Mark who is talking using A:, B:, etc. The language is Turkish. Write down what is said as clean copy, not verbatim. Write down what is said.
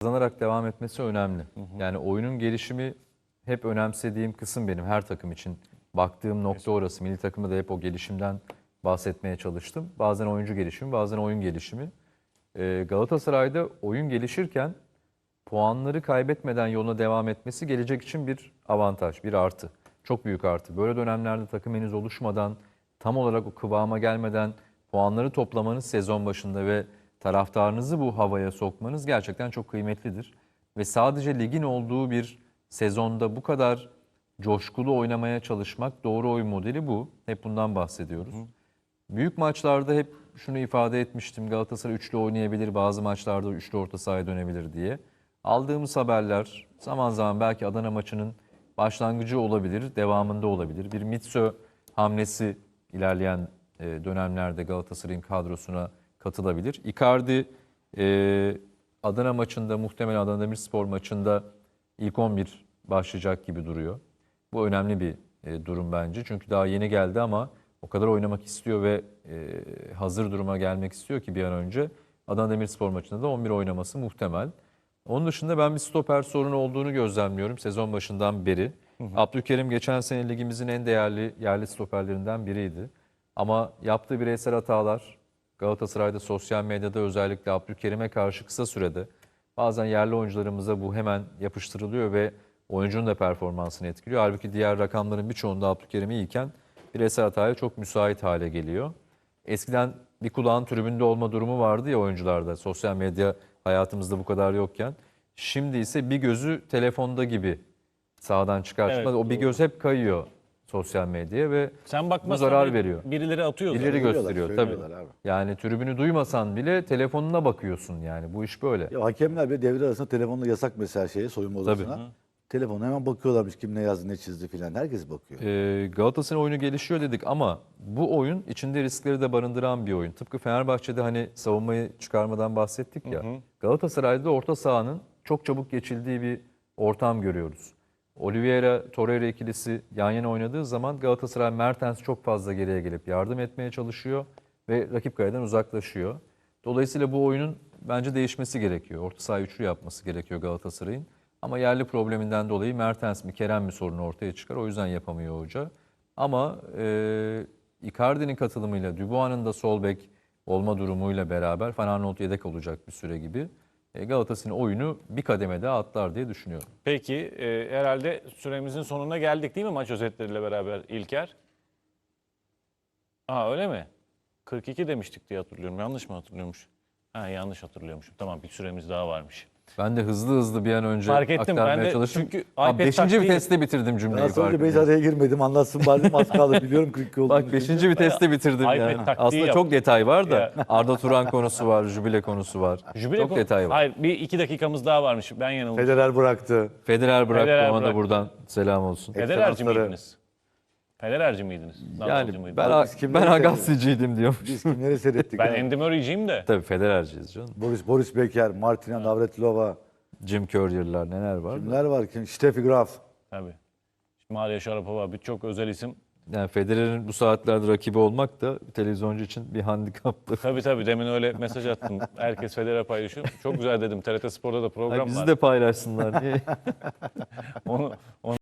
A: kazanarak devam etmesi önemli. Yani oyunun gelişimi hep önemsediğim kısım benim her takım için. Baktığım nokta orası. Milli takımda da hep o gelişimden bahsetmeye çalıştım. Bazen oyuncu gelişimi, bazen oyun gelişimi. Galatasaray'da oyun gelişirken puanları kaybetmeden yoluna devam etmesi gelecek için bir avantaj, bir artı. Çok büyük artı. Böyle dönemlerde takım henüz oluşmadan, tam olarak o kıvama gelmeden puanları toplamanız sezon başında ve taraftarınızı bu havaya sokmanız gerçekten çok kıymetlidir. Ve sadece ligin olduğu bir sezonda bu kadar coşkulu oynamaya çalışmak, doğru oyun modeli bu. Hep bundan bahsediyoruz. Büyük maçlarda hep şunu ifade etmiştim. Galatasaray üçlü oynayabilir, bazı maçlarda üçlü orta sahaya dönebilir diye. Aldığımız haberler zaman zaman belki Adana maçının başlangıcı olabilir, devamında olabilir. Bir Mitso hamlesi ilerleyen dönemlerde Galatasaray'ın kadrosuna katılabilir. Icardi Adana maçında, muhtemelen Adana Demirspor maçında ilk 11 başlayacak gibi duruyor. Bu önemli bir durum bence. Çünkü daha yeni geldi ama o kadar oynamak istiyor ve hazır duruma gelmek istiyor ki bir an önce. Adana Demirspor maçında da 11 oynaması muhtemel. Onun dışında ben bir stoper sorunu olduğunu gözlemliyorum sezon başından beri. Abdülkerim geçen sene ligimizin en değerli yerli stoperlerinden biriydi. Ama yaptığı bireysel hatalar Galatasaray'da sosyal medyada özellikle Abdülkerim'e karşı kısa sürede bazen yerli oyuncularımıza bu hemen yapıştırılıyor ve oyuncunun da performansını etkiliyor. Halbuki diğer rakamların birçoğunda Abdülkerim iyiyken bireysel hataya çok müsait hale geliyor. Eskiden bir kulağın tribünde olma durumu vardı ya oyuncularda, sosyal medya hayatımızda bu kadar yokken. Şimdi ise bir gözü telefonda gibi sahadan çıkar çıkmaz.
B: Evet,
A: O bir göz hep kayıyor sosyal medyaya ve
B: Sen
A: bu
B: bakmasan
A: zarar
B: bile
A: veriyor.
B: birileri atıyor
A: İleri
B: zaten.
A: gösteriyor tabii.
C: söylüyorlar abi.
A: Yani tribünü duymasan bile telefonuna bakıyorsun yani. Bu iş böyle.
C: Ya hakemler bile devre arasında telefonla yasak mesela soyunma odasına. Telefona hemen bakıyorlarmış kim ne yazdı ne çizdi filan. Herkes bakıyor.
A: Galatasaray oyunu gelişiyor dedik ama bu oyun içinde riskleri de barındıran bir oyun. Tıpkı Fenerbahçe'de hani savunmayı çıkarmadan bahsettik ya. Galatasaray'da orta sahanın çok çabuk geçildiği bir ortam görüyoruz. Oliveira, Torreira ikilisi yan yana oynadığı zaman Galatasaray Mertens çok fazla geriye gelip yardım etmeye çalışıyor ve rakip kaleden uzaklaşıyor. Dolayısıyla bu oyunun bence değişmesi gerekiyor. Orta saha üçlü yapması gerekiyor Galatasaray'ın. Ama yerli probleminden dolayı Mertens mi Kerem mi sorunu ortaya çıkar. O yüzden yapamıyor hoca. Ama Icardi'nin katılımıyla Dubois'ın da sol bek olma durumuyla beraber Van Aanholt yedek olacak bir süre gibi. Galatasaray'ın oyunu bir kademe daha atlar diye düşünüyorum.
B: Peki herhalde süremizin sonuna geldik değil mi maç özetleriyle beraber İlker? Aa öyle mi? 42 demiştik diye hatırlıyorum. Yanlış mı hatırlıyormuş? Ha yanlış hatırlıyormuşum. Tamam bir süremiz daha varmış.
A: Ben de hızlı bir an önce
B: Fark ettim.
A: aktarmaya
B: Ben de
A: çalıştım.
B: çünkü
A: Abi
B: iPad
A: 5.
B: taktiği-
A: viteste bitirdim cümleyi.
C: Nasıl önce
A: farkındayım.
C: Beyza'ya girmedim anlatsın bari az kaldı biliyorum 42 olduğunu.
A: Bak 5. viteste bitirdim
B: iPad
A: yani.
B: taktiği
A: Aslında
B: yap.
A: çok detay var da
B: Ya.
A: Arda Turan konusu var, jübile konusu var. Çok detay var.
B: Hayır bir iki dakikamız daha varmış. Ben yanılmışım.
C: Federer bıraktı.
A: Federer bıraktı,
B: Federer
A: ona da
B: bıraktı.
A: buradan selam olsun.
B: Federerci
C: Ekranları-
B: miydiniz? Federerci miydiniz? Nadalcı
A: Yani
B: mıydınız?
A: ben,
C: Biz kimleri
A: ben Agassi'ciydim diyormuş.
C: Biz kimleri seyrettik?
B: Ben
C: ya?
B: Andy Murray'ciyim de.
A: Tabii Federerciyiz canım.
C: Boris Becker, Martina Navratilova.
A: Jim Courier'lar neler var.
C: Kimler var ki? Steffi Graf.
B: Tabii. Maria Sharapova birçok özel isim.
A: Yani Federer'in bu saatlerde rakibi olmak da bir televizyoncu için bir handikaptır.
B: Tabii demin öyle mesaj attım. Herkes Federer paylaşıyor. Çok güzel dedim. TRT Spor'da da program
A: Bizi
B: var.
A: de paylaşsınlar diye.
B: Onu